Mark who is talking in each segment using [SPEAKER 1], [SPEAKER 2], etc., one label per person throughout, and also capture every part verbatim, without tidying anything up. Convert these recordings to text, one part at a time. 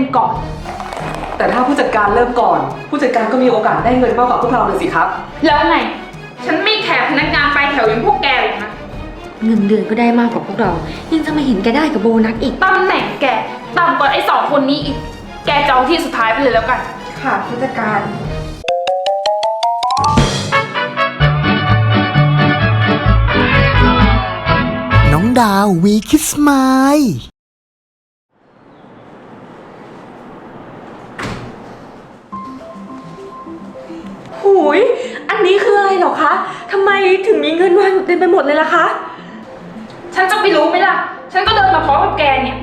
[SPEAKER 1] ก่อน
[SPEAKER 2] แต่ถ้าผู้จัดการเริ่มก่อนผู้จัดการก็มีโอกาสได้เงินมากกว่าพวกเราเลยสิครับ
[SPEAKER 1] แล้วไงฉันไม่แคร์พนักงานปลายแถวอย่างพวกแกหรอกนะ
[SPEAKER 3] เงินเดือนก็ได้มากกว่าพวกเรายังจะมาเห็นแกได้กับโบนัสอีก
[SPEAKER 1] ตำแหน่งแกต่ำกว่าไอ้สองคนนี้อีกแกจะเอาที่สุดท้ายไปเลยแล้วกัน
[SPEAKER 4] ค่ะผู้จัดการ
[SPEAKER 5] น้องดาววีคิสไมล์
[SPEAKER 4] หูยอันนี้คืออะไรเหรอคะทำไมถึงมีเงินวางอยู่เต็มไปหมดเลยล่ะคะ
[SPEAKER 1] ฉันจะไปรู้ไหมล่ะฉันก็เดินมาพร้อมกับแกเนี่ย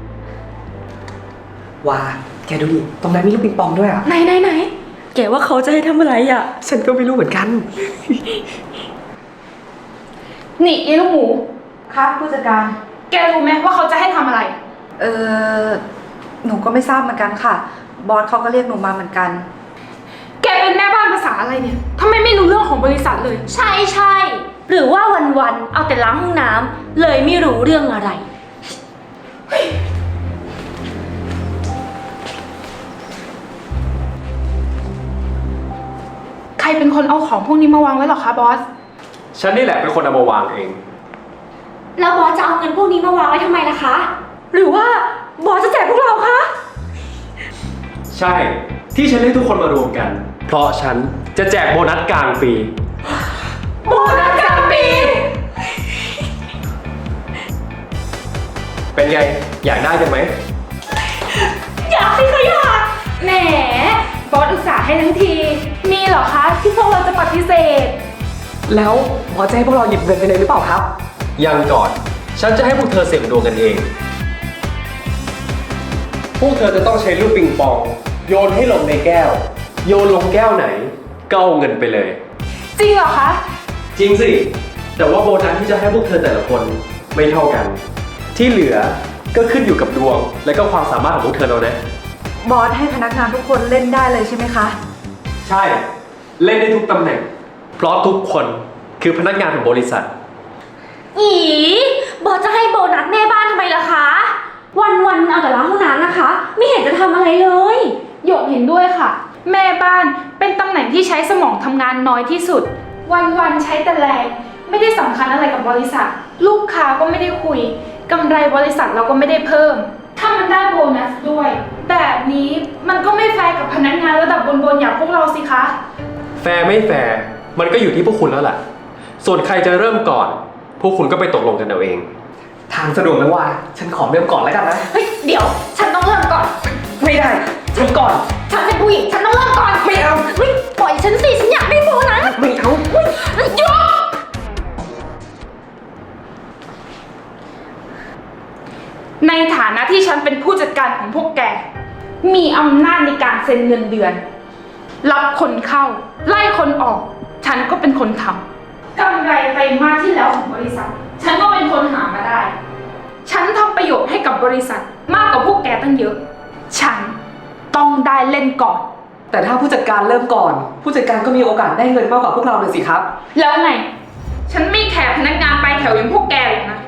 [SPEAKER 2] ว้าแกดูดิตรงนั้นมีลูกปิงปองด้วยอ่ะ
[SPEAKER 4] ไหนไหนไหนแกว่าเขาจะให้ทำอะไรอ่ะ
[SPEAKER 2] ฉันก็ไม่รู้เหมือนกัน
[SPEAKER 1] นี่ยายลูกหมู
[SPEAKER 4] ครับผู้จัดการ
[SPEAKER 1] แกรู้ไหมว่าเขาจะให้ทำอะไร
[SPEAKER 4] เออหนูก็ไม่ทราบเหมือนกันค่ะบอสเขาก็เรียกหนูมาเหมือนกัน
[SPEAKER 1] แกเป็นแม่บ้านภาษาอะไรเนี่ยทำไมไม่รู้เรื่องของบริษัทเลย
[SPEAKER 3] ใช่ใช่หรือว่าวันๆเอาแต่ล้างห้องน้ำเลยไม่รู้เรื่องอะไร
[SPEAKER 1] ใครเป็นคนเอาของพวกนี้มาวางไว้หรอคะบอส
[SPEAKER 6] ฉันนี่แหละเป็นคนเอามาวางเอง
[SPEAKER 3] แล้วบอสจะเอาเงินพวกนี้มาวางไว้ทำไมล่ะคะ
[SPEAKER 4] หรือว่าบอสจะแจกพวกเราคะ
[SPEAKER 6] ใช่ที่ฉันเรียกทุกคนมารวมกันเพราะฉันจะแจกโบนัสกลางปี
[SPEAKER 1] โบนัสกลางปี
[SPEAKER 6] เป็นไงอยากได้กันไหม
[SPEAKER 1] อยากสิคะอยากแหมบอสอุตส่าห์ให้ทั้งทีมีเหรอคะที่พวกเราจะปฏิเสธ
[SPEAKER 2] แล้วบอสจะให้พวกเราหยิบเงินไปเลยหรือเปล่าครับ
[SPEAKER 6] ยังก่อนฉันจะให้พวกเธอเสี่ยงดวงกันเองพวกเธอจะต้องใช้ลูกปิงปองโยนให้ลงในแก้วโยนลงแก้วไหนก็เอาเงินไปเลย
[SPEAKER 1] จริงเหรอคะ
[SPEAKER 6] จริงสิแต่ว่าโบนัสที่จะให้พวกเธอแต่ละคนไม่เท่ากันที่เหลือก็ขึ้นอยู่กับดวงและก็ความสามารถของพวกเธอแล้วนะ
[SPEAKER 4] บอสให้พนักงานทุกคนเล่นได้เลยใช่ไหมคะ
[SPEAKER 6] ใช่เล่นได้ทุกตำแหน่งเพราะทุกคนคือพนักงานของบริษัท
[SPEAKER 3] อีบอสจะให้โบนัสแม่บ้านทำไมล่ะคะวันๆเอาแต่ล้างห้องน้ำนะคะไม่เห็นจะทำอะไรเลย
[SPEAKER 1] หยกเห็นด้วยค่ะแม่บ้านเป็นตำแหน่งที่ใช้สมองทำงานน้อยที่สุดวันๆใช้แต่แรงไม่ได้สำคัญอะไรกับบริษัทลูกค้าก็ไม่ได้คุยกำไรบริษัทเราก็ไม่ได้เพิ่มถ้ามันได้โบนัสด้วยแบบนี้มันก็ไม่แฟร์กับพนักงานระดับบนๆอย่างพวกเราสิคะ
[SPEAKER 6] แฟร์ไม่แฟร์มันก็อยู่ที่พวกคุณแล้วล่ะส่วนใครจะเริ่มก่อนพวกคุณก็ไปตกลงกันเอาเอง
[SPEAKER 2] ทางสะดวกไหมว่าฉันขอเริ่มก่อนแล้วกันนะ
[SPEAKER 3] เฮ้ยเดี๋ยวฉันต้องเริ่มก่อน
[SPEAKER 2] ไม่ได้ฉันก่อน
[SPEAKER 3] ฉันเป็นผู้หญิงฉันต้องเริ่มก่อน
[SPEAKER 2] ไม่เอา
[SPEAKER 3] เฮ้ยปล่อยฉันสิฉันอยากได้โบนัส
[SPEAKER 2] ไม่เอา
[SPEAKER 3] เฮ้ยหยุด
[SPEAKER 1] ในฐานะที่ฉันเป็นผู้จัดการของพวกแกมีอำนาจในการเซ็นเงินเดือนรับคนเข้าไล่คนออกฉันก็เป็นคนทำกำไรไตรมาสที่แล้วของบริษัทฉันก็เป็นคนหามาได้ฉันทำประโยชน์ให้กับบริษัทมากกว่าพวกแกตั้งเยอะฉันต้องได้เล่นก่อน
[SPEAKER 2] แต่ถ้าผู้จัดการเริ่มก่อนผู้จัดการก็มีโอกาสได้เงินมากกว่าพวกเราเลยสิครับ
[SPEAKER 1] แล้วไงฉันไม่แคร์พนักงานปลายแถวอย่างพวกแกหรอกนะ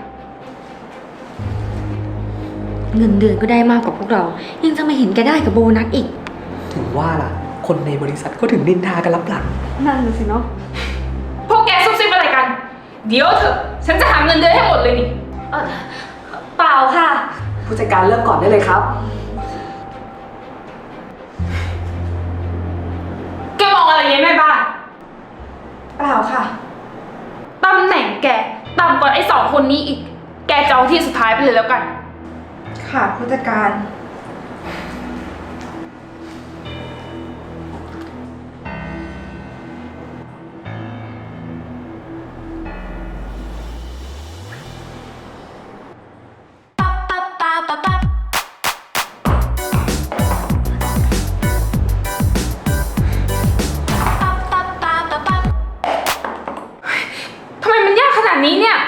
[SPEAKER 3] เงินเดือนก็ได้มากกว่าพวกเรายังจะมาเห็นแกได้กับโบนัสอีก
[SPEAKER 2] ถึงว่าล่ะคนในบริษัทก็ถึงนินทากันลับหลัง
[SPEAKER 4] นั่นเลยสิเนาะ
[SPEAKER 1] พวกแกซุบซิบอะไรกันเดี๋ยวเถอะฉันจะหาเงินเดือนให้หมดเลยนี่
[SPEAKER 3] เออเปล่าค่ะ
[SPEAKER 2] ผู้จัดการเริ่มก่อนได้เลยครับ
[SPEAKER 1] แกมองอะไรยังไงบ้าง
[SPEAKER 4] เปล่าค่ะ
[SPEAKER 1] ตำแหน่งแกต่ำกว่าไอ้สองคนนี้อีกแกจะเอาที่สุดท้ายไปเลยแล้วกัน
[SPEAKER 4] ค่ะผู้จัดการ
[SPEAKER 1] ทำไมมันยากขนาดนี้เนี่ย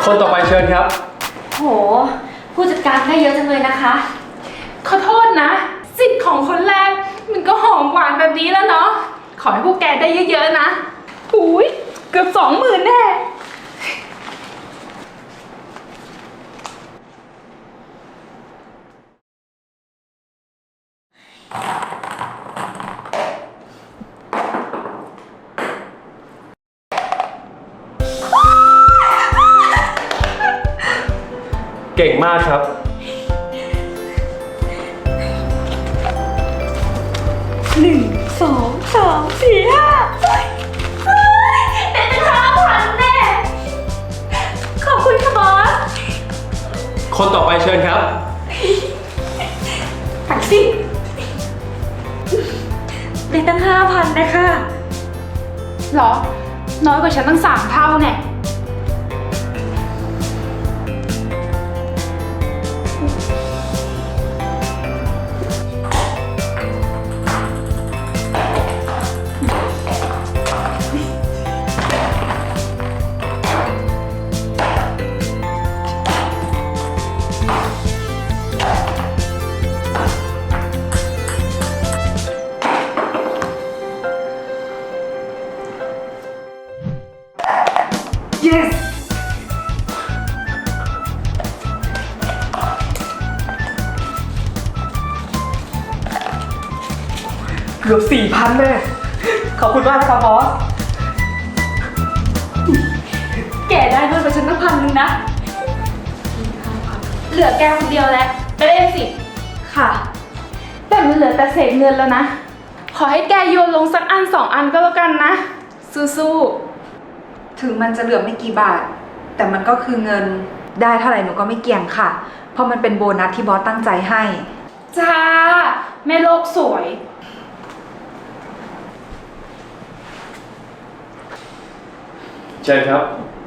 [SPEAKER 6] คนต่อไปเชิญครับ
[SPEAKER 3] โห ผู้จัดการได้เยอะจังเลยนะคะ
[SPEAKER 1] ขอโทษนะ สิทธิ์ของคนแรกมันก็หอมหวานแบบนี้แล้วเนาะ ขอให้พวกแกได้เยอะๆนะหูยเกือบสองหมื่นแน่
[SPEAKER 6] เก่งมากครับ
[SPEAKER 4] หนึ่งสองสามสี่ห้า
[SPEAKER 3] ได้ตั้งห้าพันแน่ ขอบคุณค่ะบอส
[SPEAKER 6] คนต่อไปเชิญครับ
[SPEAKER 4] ตักสิได้ตั้งห้าพันนะคะ
[SPEAKER 1] เหรอ น้อยกว่าฉันตั้งสามเท่าแน่
[SPEAKER 2] yes เกือบสี่พันแน่ขอบคุณมากนะครับบอส
[SPEAKER 3] แกได้ด้วยกับฉันตั้งพันหนึ่งนะ
[SPEAKER 1] เหลือแกคนเดียวแล้วไปเล่นสิ
[SPEAKER 3] ค่ะ
[SPEAKER 1] แต่มันเหลือแต่เศษเงินแล้วนะ ขอให้แกโยนลงสักอันสองอันก็แล้วกันนะ สู้ๆ
[SPEAKER 7] ถึงมันจะเหลือไม่กี่บาท แต่มันก็คือเงินได้เท่าไหร่หนูก็ไม่เกี่ยงค่ะ เพราะมันเป็นโบนัสที่บอสตั้งใจให้
[SPEAKER 1] จ้า แม่โลกสวย
[SPEAKER 6] เชิญครับ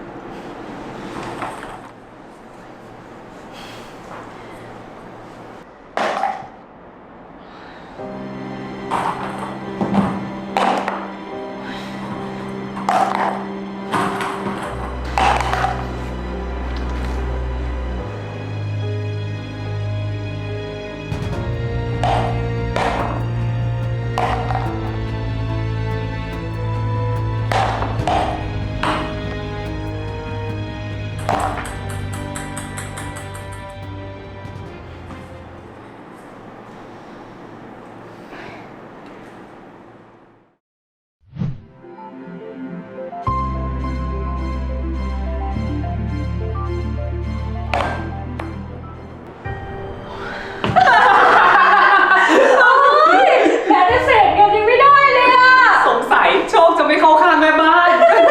[SPEAKER 3] แม้แต่เศษเงินยังไม่ได้เลยอะ
[SPEAKER 2] สงสัยโชคจะไม่เข้าข้างแม่บ้าน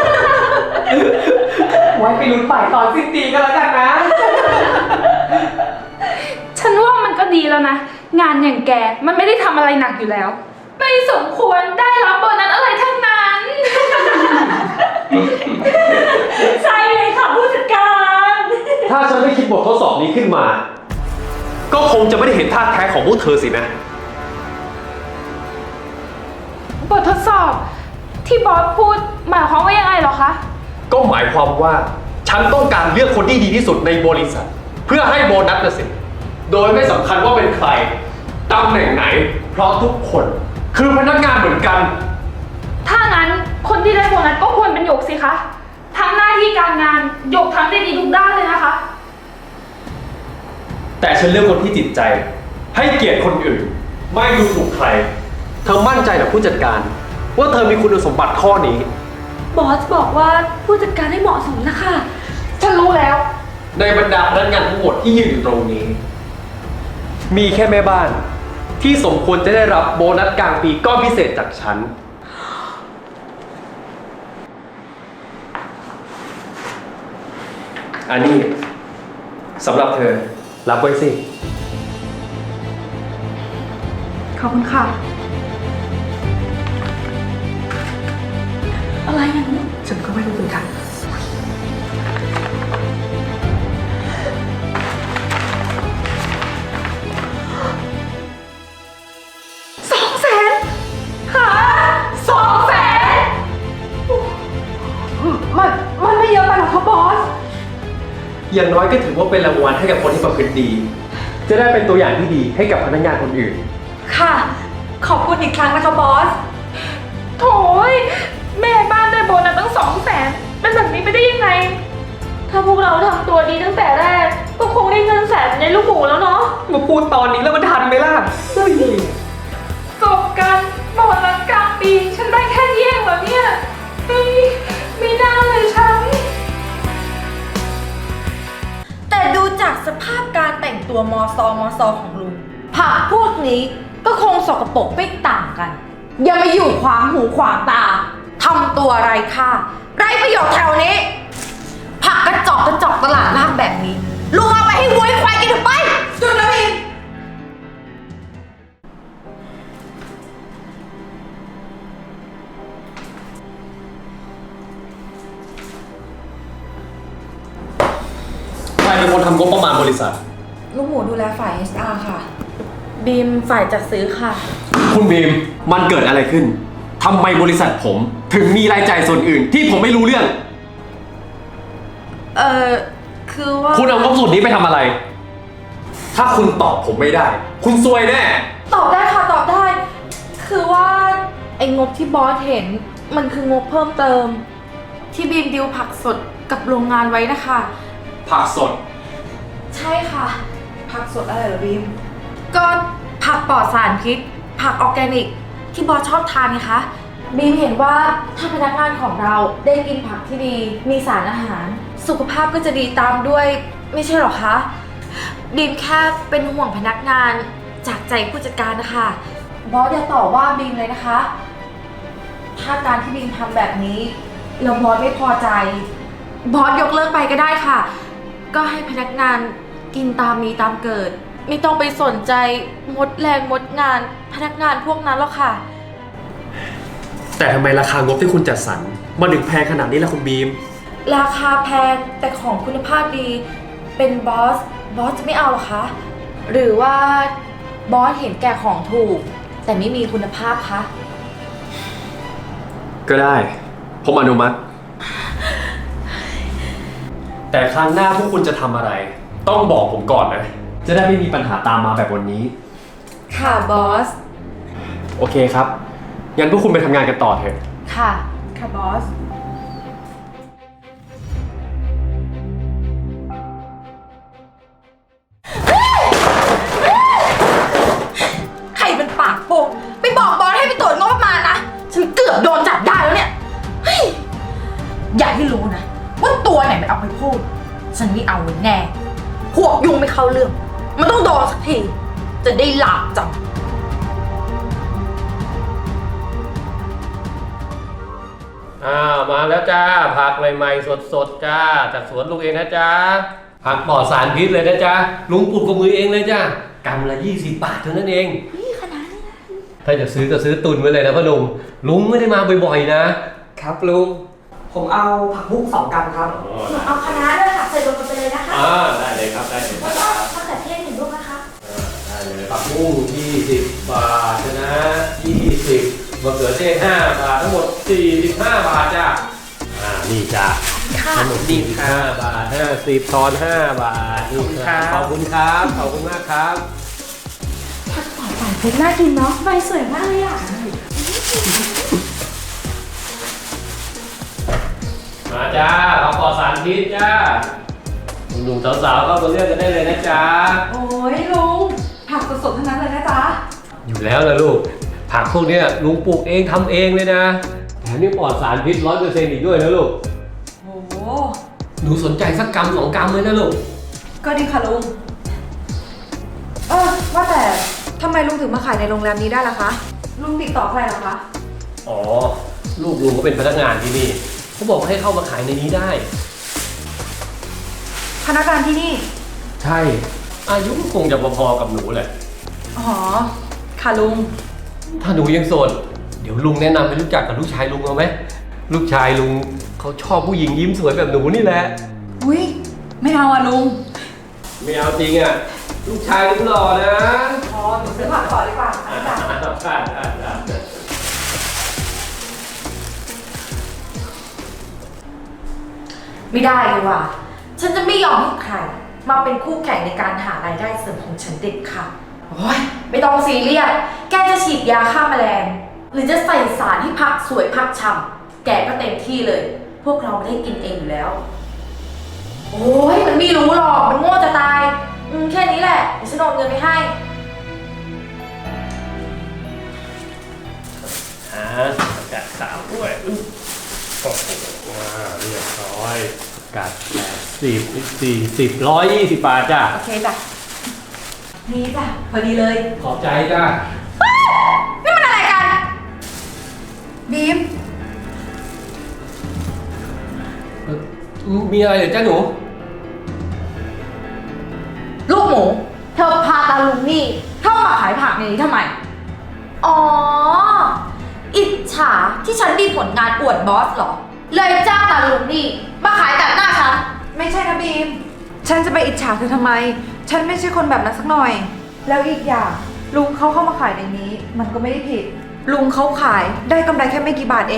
[SPEAKER 2] ไว้ไปลุ้นฝ่ายตอนสิ้นปีกันแล้วกันนะ
[SPEAKER 1] ฉันว่ามันก็ดีแล้วนะ งานอย่างแกมันไม่ได้ทำอะไรหนักอยู่แล้ว ไม่สมควรได้รับโบนัสอะไรทั้งนั้น
[SPEAKER 3] ใช่เลยค่ะผู้จัดการ
[SPEAKER 6] ถ้าฉันไม่คิดบททดสอบนี้ขึ้นมา ก็คงจะไม่ได้เห็นท่าแท้ของพวกเธอสินะ
[SPEAKER 1] บททดสอบที่บอสพูดหมายความว่ายังไงเหรอคะ
[SPEAKER 6] ก็หมายความว่าฉันต้องการเลือกคนที่ดีที่สุดในบริษัท เพื่อให้โบนัสนะสิ โดยไม่สำคัญว่าเป็นใครตำแหน่งไหน เพราะทุกคนคือพนักงานเหมือนกัน
[SPEAKER 1] ถ้างั้นคนที่ได้โบนัสก็ควรเป็นหยกสิคะ ทั้งหน้าที่การงานหยกทำได้ดีทุกด้านเลยนะคะ
[SPEAKER 6] แต่ฉันเลือกคนที่จิตใจ ให้เกียรติคนอื่น ไม่ดูถูกใคร เธอมั่นใจกับผู้จัดการ ว่าเธอมีคุณสมบัติข้อนี้
[SPEAKER 3] บอสบอกว่าผู้จัดการให้เหมาะสมนะคะ
[SPEAKER 1] ฉันรู้แล้ว
[SPEAKER 6] ในบรรดาพนักงานทั้งหมดที่ยืนอยู่ตรงนี้ มีแค่แม่บ้าน ที่สมควรจะได้รับโบนัสกลางปีก้อนพิเศษจากฉัน อันนี้สำหรับเธอ รับไว้สิ
[SPEAKER 7] ขอบคุณค่ะ
[SPEAKER 3] อะไรนะ
[SPEAKER 2] ฉันก็ไม่รู้เหมือนกัน
[SPEAKER 1] สองแสนหาสองแสน
[SPEAKER 7] มัน มันไม่เยอะไปหรอกครับบอส
[SPEAKER 6] อย่างน้อยก็ถือว่าเป็นรางวัลให้กับคนที่ประพฤติดี จะได้เป็นตัวอย่างที่ดีให้กับพนักงานคนอื่น
[SPEAKER 4] ค่ะ ขอบคุณอีกครั้งนะคะบอส
[SPEAKER 1] โถยแม่บ้านได้โบนัสตั้งสองแสนเป็นแบบนี้ไปได้ยังไง
[SPEAKER 3] ถ้าพวกเราทำตัวดีตั้งแต่แรก ก็คงได้เงินแสนในลูกหมูแล้วเนาะ
[SPEAKER 2] มาพูดตอนนี้แล้วมันทันไหมล่ะเฮ้ย
[SPEAKER 1] จบกันโบนัสกลางปีฉันได้แค่เยี่ยงเหรอเนี่ยเฮ้ยไม่น่าเลยฉัน
[SPEAKER 4] แต่ดูจากสภาพการแต่งตัวมอซอมอซอของลุงผักพวกนี้ก็คงสกปรกไม่ต่างกัน อย่ามาอยู่ขวางหูขวางตาทำตัวไร้ค่าไร้ประโยชน์แถวนี้ ผักกระจอกกระจอกตลาดล่างแบบนี้ลุงเอาไปให้วัวให้ควายกินเถอะไปจุดแล้วอีก
[SPEAKER 6] ใครเป็นคนทำงบประมาณบริษัท
[SPEAKER 7] ลูกหมูดูแลฝ่าย เอช อาร์ ค่ะ
[SPEAKER 3] บีมฝ่ายจัดซื้อค่ะ
[SPEAKER 6] คุณบีม มันเกิดอะไรขึ้น ทำไมบริษัทผมถึงมีรายจ่ายส่วนอื่นที่ผมไม่รู้เรื่อง
[SPEAKER 4] เอ่อ คือว่า
[SPEAKER 6] คุณเอางบส่วนนี้ไปทำอะไร ถ้าคุณตอบผมไม่ได้ คุณซวยแน่
[SPEAKER 4] ตอบได้ค่ะตอบได้ คือว่าไอ้งบที่บอสเห็นมันคืองบเพิ่มเติม ที่บีมดิวผักสดกับโรงงานไว้นะคะ
[SPEAKER 6] ผักสด
[SPEAKER 4] ใช่ค่ะ ผักสดอะไรเหรอบีม ก็ผักปลอดสารพิษ ผักออร์แกนิก ที่บอสชอบทานไงคะบีมเห็นว่าถ้าพนักงานของเราได้กินผักที่ดี มีสารอาหาร สุขภาพก็จะดีตามด้วยไม่ใช่หรอคะบีมแค่เป็นห่วงพนักงานจากใจผู้จัดการนะคะบอสอย่าต่อว่าบีมเลยนะคะ ถ้าการที่บีมทำแบบนี้แล้วบอสไม่พอใจ บอสยกเลิกไปก็ได้ค่ะ ก็ให้พนักงานกินตามมีตามเกิด ไม่ต้องไปสนใจมดแรงมดงาน พนักงานพวกนั้นหรอกค่ะ
[SPEAKER 6] แต่ทำไมราคางบที่คุณจัดสรรมันถึงแพงขนาดนี้ล่ะคุณบีม
[SPEAKER 4] ราคาแพงแต่ของคุณภาพดี เป็นบอส บอสจะไม่เอาหรอคะ หรือว่าบอสเห็นแก่ของถูก แต่ไม่มีคุณภาพคะ
[SPEAKER 6] ก็ได้ ผมอนุมัติ แต่ครั้งหน้าพวกคุณจะทำอะไร ต้องบอกผมก่อนนะ จะได้ไม่มีปัญหาตามมาแบบวันนี้
[SPEAKER 4] ค่ะบอส
[SPEAKER 6] โอเคครับ งั้นพวกคุณไปทำงานกันต่อเถอะ
[SPEAKER 4] ค่ะ ค่ะบอส ใครเป็นปากโป่งไปบอกบอสให้ไปตรวจงบประมาณนะ ฉันเกือบโดนจับได้แล้วเนี่ยเฮ้ยอย่าให้รู้นะ ว่าตัวไหนมันเอาไปพูด ฉันไม่เอาไว้แน่ พวกยุ่งไม่เข้าเรื่อง มันต้องโดนสักที จะได้หลาบจำ
[SPEAKER 6] อ่ามาแล้วจ้าผักใหม่ๆสดๆจ้าจากสวนลุงเองนะจ้าผักปลอดสารพิษเลยนะจ้าลุงปลูกกับมือเองเลยจ้ากำละยี่สิบบาทเท่านั้นเองนี่ขนาดนี้ถ้าจะซื้อก็ซื้อตุนไว้เลยนะพ่อหนุ่มลุงไม่ได้มาบ่อยๆนะครับ
[SPEAKER 2] ลุง ผมเอาผักบุ้งสองกรัมครับ
[SPEAKER 3] เอาคณะด้วยค่ะใส่รวมกันไปเลยนะคะ
[SPEAKER 6] อ่าได้เลยครับได้เลย
[SPEAKER 3] แล้วก็มะเขือเทศหนึ่งลูกนะคะ
[SPEAKER 6] ได้เลยผักบุ้งยี่สิบบาทนะยี่สิบมะเขือเทศห้าบาททั้งหมดสี่สิบห้าบาทจ้าอ่านี่จ้า ทั้งหมดสี่สิบห้าบาทห้าสิบทอนห้าบาทนี่ครับขอบคุณครับ ขอบคุณมากครับ
[SPEAKER 3] ผักปลอดสารพิษน่ากินเนาะใบสวยมากเลยอ่ะ
[SPEAKER 6] มาจ้าผักปลอดสารพิษจ้าหนุ่มๆสาวๆก็มาเลือกกันได้เลยนะจ๊ะ
[SPEAKER 7] โอ้ยลุง ผักสดๆทั้งนั้นเลยนะจ๊ะ
[SPEAKER 6] อยู่แล้วนะลูก ผักพวกเนี้ยลุงปลูกเองทำเองเลยนะแถมยังปลอดสารพิษร้อยเปอร์เซ็นต์อีกด้วยนะลูก
[SPEAKER 7] โอ้โห
[SPEAKER 6] หนูสนใจสักกรัมสองกรัมเลยนะลูก
[SPEAKER 7] ก็ดีค่ะลุง เออว่าแต่ทำไมลุงถึงมาขายในโรงแรมนี้ได้ล่ะคะ ลุงติดต่อใครเหรอคะ
[SPEAKER 6] อ๋อ ลูกลุงก็เป็นพนักงานที่นี่เขาบอกว่าให้เข้ามาขายในนี้ได้
[SPEAKER 7] พนักงานที่นี่
[SPEAKER 6] ใช่ อายุก็คงจะพอๆกับหนูแหละ
[SPEAKER 7] อ๋อ ค่ะลุง
[SPEAKER 6] ถ้าหนูยังโสด เดี๋ยวลุงแนะนำให้รู้จักกับลูกชายลุงเอาไหม ลูกชายลุงเขาชอบผู้หญิงยิ้มสวยแบบหนูนี่แหละ
[SPEAKER 7] อุ้ยไม่เอาอะลุง
[SPEAKER 6] ไม่เอาจริงอ่ะ ลูกชายลุงหล่อนะ
[SPEAKER 7] อ๋อหนูซื้อผักก่อนดีกว่า
[SPEAKER 6] ได้ได้ได้
[SPEAKER 4] ไม่ได้เลยว่ะฉันจะไม่ยอมให้ใครมาเป็นคู่แข่งในการหารายได้เสริมของฉันเด็ดค่ะโอ้ยไม่ต้องซีเรียส แกจะฉีดยาฆ่าแมลง หรือจะใส่สารที่พักสวยพักฉ่ำแกก็เต็มที่เลย พวกเราไม่ได้กินเองอยู่แล้ว โอ้ยมันไม่รู้หรอก มันโง่จะตาย อืมแค่นี้แหละเดี๋ยวฉันโอนเงินไปให้
[SPEAKER 6] อ่าแกะสาวด้วยโอ้โหว้าวเรียบร้อยกัดแปดสิบสี่สิบร้อยยี่สิบบาทจ้ะ
[SPEAKER 4] โอเคจ้ะ นี่จ้ะ พอดีเลย
[SPEAKER 6] ขอบใจจ้ะ
[SPEAKER 4] นี่มันอะไรกัน
[SPEAKER 7] บีม
[SPEAKER 6] เอ่อมีอะไรเหรอจ้าหนู
[SPEAKER 4] ลูกหมู เธอพาตาลุงนี่เข้ามาขายผักในนี้ทำไม อ๋อ อิจฉาที่ฉันมีผลงานอวดบอสเหรอ เลยจ้างตาลุงนี่มาขายตัดหน้าฉัน
[SPEAKER 7] ไม่ใช่นะบีม ฉันจะไปอิจฉาเธอทำไม ฉันไม่ใช่คนแบบนั้นสักหน่อย แล้วอีกอย่างลุงเขาเข้ามาขายในนี้ มันก็ไม่ได้ผิด ลุงเขาขายได้กำไรแค่ไม่กี่บาทเอง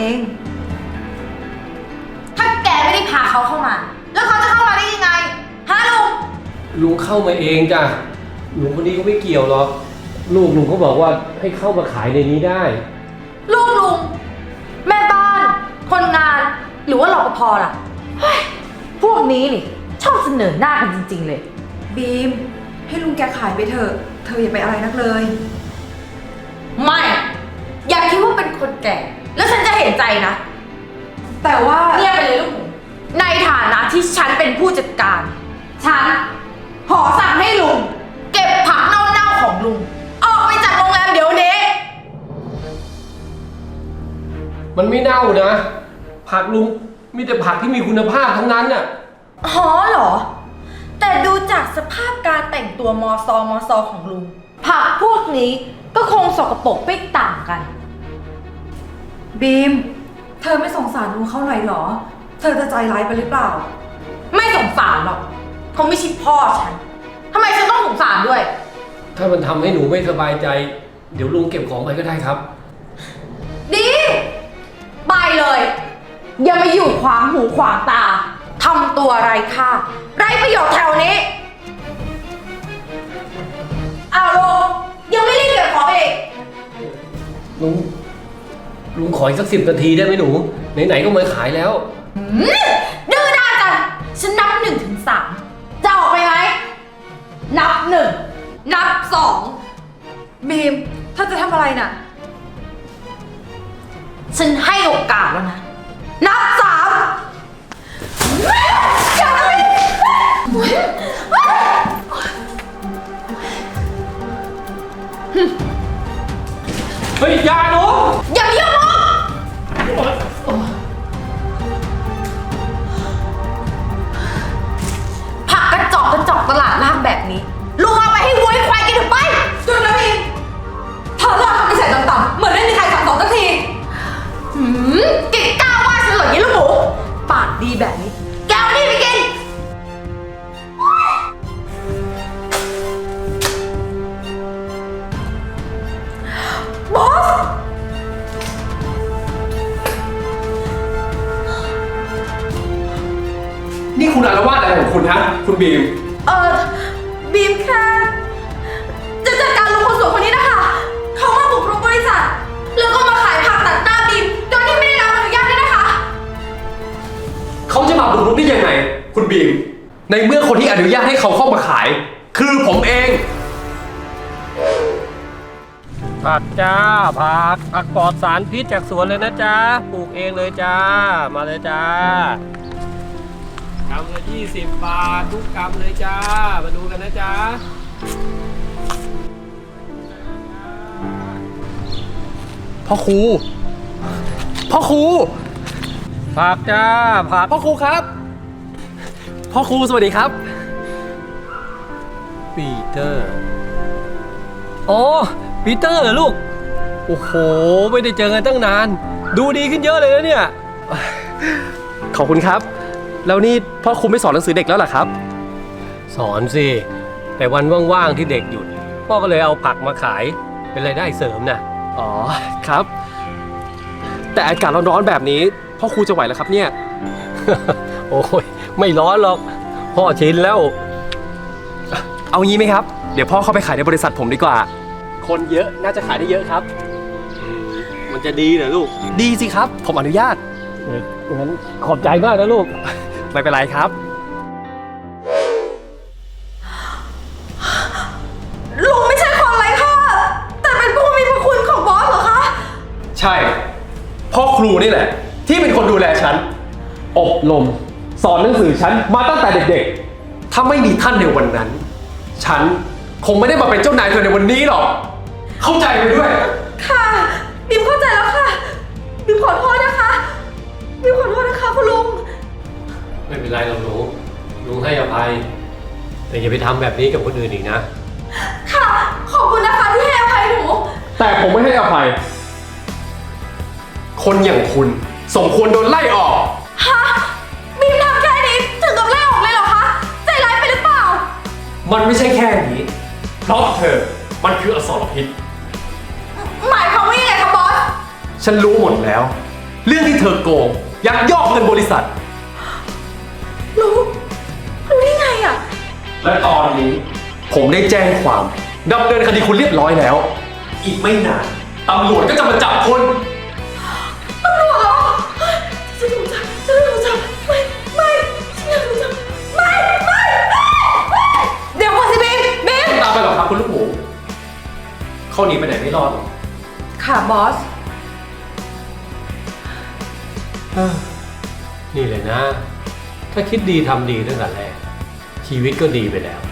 [SPEAKER 4] ถ้าแกไม่ได้พาเขาเข้ามา แล้วเขาจะเข้ามาได้ยังไง ฮะลุง
[SPEAKER 6] ลุงเข้ามาเองจ้ะลุงคนนี้ก็ไม่เกี่ยวหรอกลูกลุงเขาบอกว่าให้เข้ามาขายในนี้ได้
[SPEAKER 4] ลูกลุง แม่บ้าน คนงาน หรือว่ารปภล่ะเฮ้ยพวกนี้นี่ ชอบเสนอหน้ากันจริงๆเลย
[SPEAKER 7] บีม ให้ลุงแกขายไปเถอะ เธออย่าไปอะไรนักเลย
[SPEAKER 4] ไม่ อย่าคิดว่าเป็นคนแก่ แล้วฉันจะเห็นใจนะ
[SPEAKER 7] แต่ว่า
[SPEAKER 4] เงียบไปเลยลูกหมูในฐานะที่ฉันเป็นผู้จัดการ ฉันขอสั่งให้ลุง เก็บผักเน่าๆของลุง ออกไปจากโรงแรมเดี๋ยวนี้
[SPEAKER 6] มันไม่เน่านะ ผักลุงมีแต่ผักที่มีคุณภาพทั้งนั้นน่ะ
[SPEAKER 4] อ๋อเหรอ แต่ดูจากสภาพการแต่งตัวมอซอมอซอของลุง ผักพวกนี้ก็คงสกปรกไม่ต่างกัน
[SPEAKER 7] บีม เธอไม่สงสารลุงเขาหน่อยเหรอ เธอจะใจร้ายไปหรือเปล่า
[SPEAKER 4] ไม่สงสารหรอกเขาไม่ใช่พ่อฉันทำไมฉันต้องสงสารด้วย
[SPEAKER 6] ถ้ามันทำให้หนูไม่สบายใจ เดี๋ยวลุงเก็บของไปก็ได้ครับ
[SPEAKER 4] ดีไปเลย อย่ามาอยู่ขวางหูขวางตาทำตัวไร้ค่าไร้ประโยชน์แถวนี้อ้าวลุงยังไม่รีบเก็บของไปอีก
[SPEAKER 6] ลุง ลุงขออีกสักสิบนาทีได้ไหมหนู ไหนๆก็มาขายแล้ว
[SPEAKER 4] หืมดื้อด้านจังฉันนับหนึ่งถึงสามจะออกไปไหมนับหนึ่งนับสอง
[SPEAKER 7] บีม เธอจะทำอะไรน่ะ
[SPEAKER 4] ฉันให้โอกาสแล้วนะ นับสามอย่าเลย
[SPEAKER 6] เฮ้ยอยาหนู
[SPEAKER 4] อย่ามายุ่งลุงผักกระจอกกระจอกตลาดล่างแบบนี้ลุงเอาไปให้วัวให้ควายกินเถอะไป
[SPEAKER 7] จุดนะบีม เธอเลิกทำนิสัยต่ำๆเหมือนไม่มีใครสั่งสอนสักที
[SPEAKER 4] หืมกินกล้าว่าฉันเหรอยี่ลูกหมูปากดีแบบนี้ แกเอานี่ไปกิน บอส
[SPEAKER 6] นี่คุณอารวาสอะไรของคุณฮะ คุณบีม
[SPEAKER 4] เออบีมแค่จะจัดการลุงคนสวยคนนี้นะคะ เขามาบุกรุกบริษัท แล้วก็มาขายผักตัดหน้าบีมโดยที่ไม่ได้รับอนุญาตด้วยนะคะ
[SPEAKER 6] เขาจะมาบุกรุกได้ยังไง คุณบีม ในเมื่อคนที่อนุญาตให้เขาเข้ามาขาย คือผมเอง ผักจ้าผักผักปลอดสารพิษจากสวนเลยนะจ๊ะปลูกเองเลยจ้า มาเลยจ้ากำละยี่สิบบาททุกกำเลยจ้า มาดูกันนะจ๊ะพ่อครูพ่อครูผักจ้าผักพ่อครูครับพ่อครูสวัสดีครับปีเตอร์อ๋อปีเตอร์เหรอลูกโอ้โหไม่ได้เจอกันตั้งนานดูดีขึ้นเยอะเลยนะเนี่ยขอบคุณครับแล้วนี่พ่อครูไม่สอนหนังสือเด็กแล้วเหรอครับสอนสิแต่วันว่างๆที่เด็กหยุดพ่อก็เลยเอาผักมาขายเป็นรายได้เสริมน่ะอ๋อครับแต่อากาศร้อนๆแบบนี้พ่อครูจะไหวเหรอครับเนี่ย โอ้ยไม่ร้อนหรอกพ่อชินแล้ว เอางี้ไหมครับ เดี๋ยวพ่อเข้าไปขายในบริษัทผมดีกว่า คนเยอะน่าจะขายได้เยอะครับ
[SPEAKER 8] มันจะดีเหรอลูก
[SPEAKER 6] ดีสิครับ ผมอนุญาต
[SPEAKER 8] เอองั้นขอบใจมากนะลูก
[SPEAKER 6] ไม่เป็นไรครับ
[SPEAKER 7] ลุงไม่ใช่คนไร้ค่าแต่เป็นผู้มีพระคุณของบอสเหรอคะ
[SPEAKER 6] ใช่พ่อครูนี่แหละ ที่เป็นคนดูแลฉัน อบรมสอนหนังสือฉันมาตั้งแต่เด็กๆ ถ้าไม่มีท่านในวันนั้น ฉันคงไม่ได้มาเป็นเจ้านายเธอในวันนี้หรอก เข้าใจไปด้วย
[SPEAKER 7] ค่ะบิมเข้าใจแล้วค่ะบิมขอโทษนะคะบิมขอโทษนะคะคุณลุง
[SPEAKER 8] ไม่เป็นไรหรอกหนูลุงให้อภัย แต่อย่าไปทำแบบนี้กับคนอื่นอีกนะ
[SPEAKER 7] ค่ะ ขอบคุณนะคะที่ให้อภัยหนู
[SPEAKER 6] แต่ผมไม่ให้อภัย คนอย่างคุณสมควรโดนไล่ออก
[SPEAKER 7] ฮะบิมทำแค่นี้ถึงกับไล่ออกเลยเหรอคะใจร้ายไปหรือเปล่า
[SPEAKER 6] มันไม่ใช่แค่นี้ เพราะเธอมันคืออสรพิษ
[SPEAKER 7] หมายความว่ายังไงคะบอส
[SPEAKER 6] ฉันรู้หมดแล้ว เรื่องที่เธอโกงยักยอกเงินบริษัท
[SPEAKER 7] รู้รู้ได้ไงอะ
[SPEAKER 6] และตอนนี้ ผมได้แจ้งความดำเนินคดีคุณเรียบร้อยแล้ว อีกไม่นานตำรวจก็จะมาจับคุณ
[SPEAKER 7] ตำรวจเหรอฉันถูกจับฉันถูกจับไม่ไม่ฉันอยากถูกจับไม่ไม่ไม่ไม่เดี๋ยวก่อนสิบิมบิม
[SPEAKER 6] ตามไปหรอกครับคุณลูกหมูเขาหนีไปไหนไม่รอดหรอก
[SPEAKER 7] ค่ะบอส
[SPEAKER 8] นี่เลยนะ ถ้าคิดดีทำดีตั้งแต่แรก ชีวิตก็ดีไปแล้ว